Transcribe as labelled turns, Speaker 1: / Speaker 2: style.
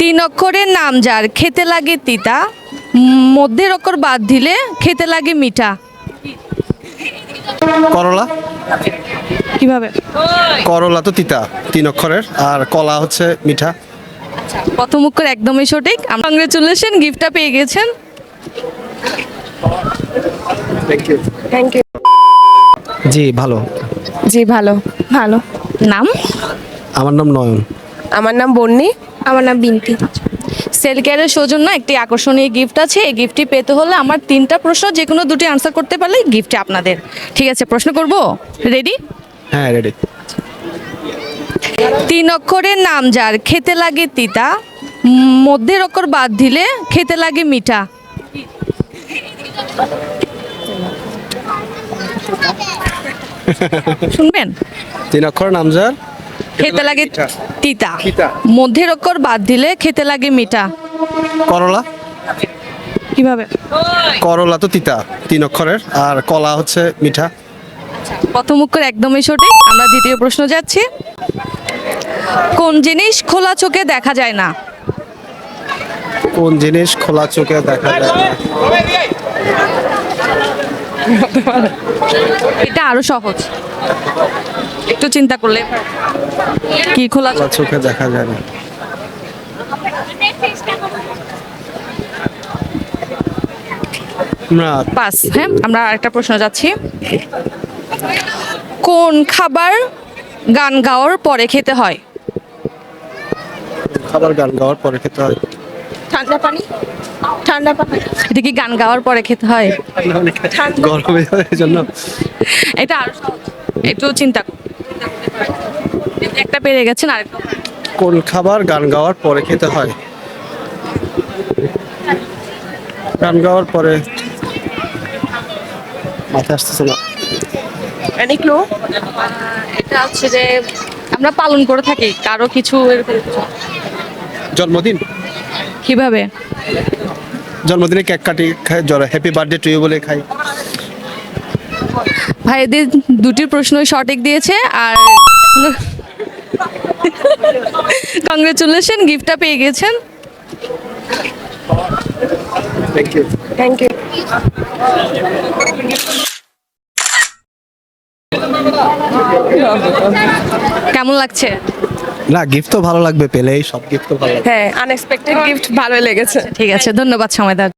Speaker 1: তিন অক্ষরের নাম যার খেতে লাগে তিতা, মধ্যের অক্ষর বাদ দিলে খেতে লাগে মিঠা।
Speaker 2: করলা।
Speaker 1: কিভাবে?
Speaker 2: করলা তো তিতা, তিন অক্ষরের, আর কলা হচ্ছে মিঠা।
Speaker 1: প্রথম অক্ষর একদমই সঠিক। কংগ্রেচুলেশন, গিফটটা পেয়ে গেছেন।
Speaker 3: Thank you.
Speaker 2: জি ভালো।
Speaker 3: জি ভালো। ভালো।
Speaker 1: নাম?
Speaker 2: আমার নাম নয়ন।
Speaker 3: আমার নাম বন্নি।
Speaker 4: আমার নাম বিনতি।
Speaker 1: সেল কেয়ারের সৌজন্য একটি আকর্ষণীয় গিফট আছে। এই গিফটটি পেতে হলে আমার তিনটা প্রশ্ন যে কোনো দুটি আনসার করতে পারলে গিফটটি আপনাদের। ঠিক আছে, প্রশ্ন করব? রেডি?
Speaker 2: হ্যাঁ রেডি।
Speaker 1: তিন অক্ষরের নাম যার খেতে লাগে তিতা, মধ্যের অক্ষর বাদ দিলে খেতে লাগে মিঠা। শুনবেন?
Speaker 2: তিন অক্ষর নাম যার
Speaker 1: খেতে লাগে তিতা,
Speaker 2: তিতা।
Speaker 1: মধ্যের অক্ষর বাদ দিলে খেতে লাগে মিঠা।
Speaker 2: করলা।
Speaker 1: কিভাবে?
Speaker 2: করলা তো তিতা, তিন অক্ষরের, আর কলা হচ্ছে মিঠা।
Speaker 1: প্রথম অক্ষর একদমই সঠিক। আমরা দ্বিতীয় প্রশ্ন যাচ্ছি। কোন জিনিস খোলা চোখে দেখা যায় না?
Speaker 2: কোন জিনিস খোলা চোখে দেখা যায় না?
Speaker 1: এটা আরো সহজ, একটু চিন্তা করলে। কি খোলা
Speaker 2: খোলা চোখে দেখা যায় না? না।
Speaker 1: পাস। হ্যাঁ, আমরা আরেকটা প্রশ্ন যাচ্ছি। কোন খাবার গান গাওয়ার পরে খেতে হয়?
Speaker 2: খাবার গান গাওয়ার পরে খেতে হয়?
Speaker 3: ঠান্ডা পানি। ঠান্ডা পানি।
Speaker 1: এটা কি গান গাওয়ার পরে খেতে হয়?
Speaker 2: গরমে এই জন্য।
Speaker 1: এটা আরো সহজ, একটু চিন্তা করুন। একটা পেরে গেছেন, আরেকটা।
Speaker 2: কোন খাবার গান গাওয়ার পরে খেতে হয়? গান গাওয়ার পরে মাথায় আসতেছে না।
Speaker 3: Any clue?
Speaker 1: এটা হচ্ছে যে আমরা পালন করে থাকি কারো কিছু এরকম কিছু।
Speaker 2: জন্মদিন।
Speaker 1: কিভাবে?
Speaker 2: জন্মদিনে কেক কাটি, খাই, জ্বরে হ্যাপি বার্থডে টু ইউ বলে খাই।
Speaker 1: ভাইদের দুটি প্রশ্নই সঠিক দিয়েছে, আর কংগ্রেচুলেশন, গিফটটা পেয়ে গেছেন।
Speaker 2: Thank you.
Speaker 3: Thank you.
Speaker 1: কেমন লাগছে?
Speaker 2: না, গিফট তো ভালো লাগবে, পেলেই সব গিফট তো ভালো লাগবে।
Speaker 3: হ্যাঁ, আনএক্সপেক্টেড গিফট ভালোই লেগেছে।
Speaker 1: ঠিক আছে, ধন্যবাদ সময় দেওয়ার জন্য।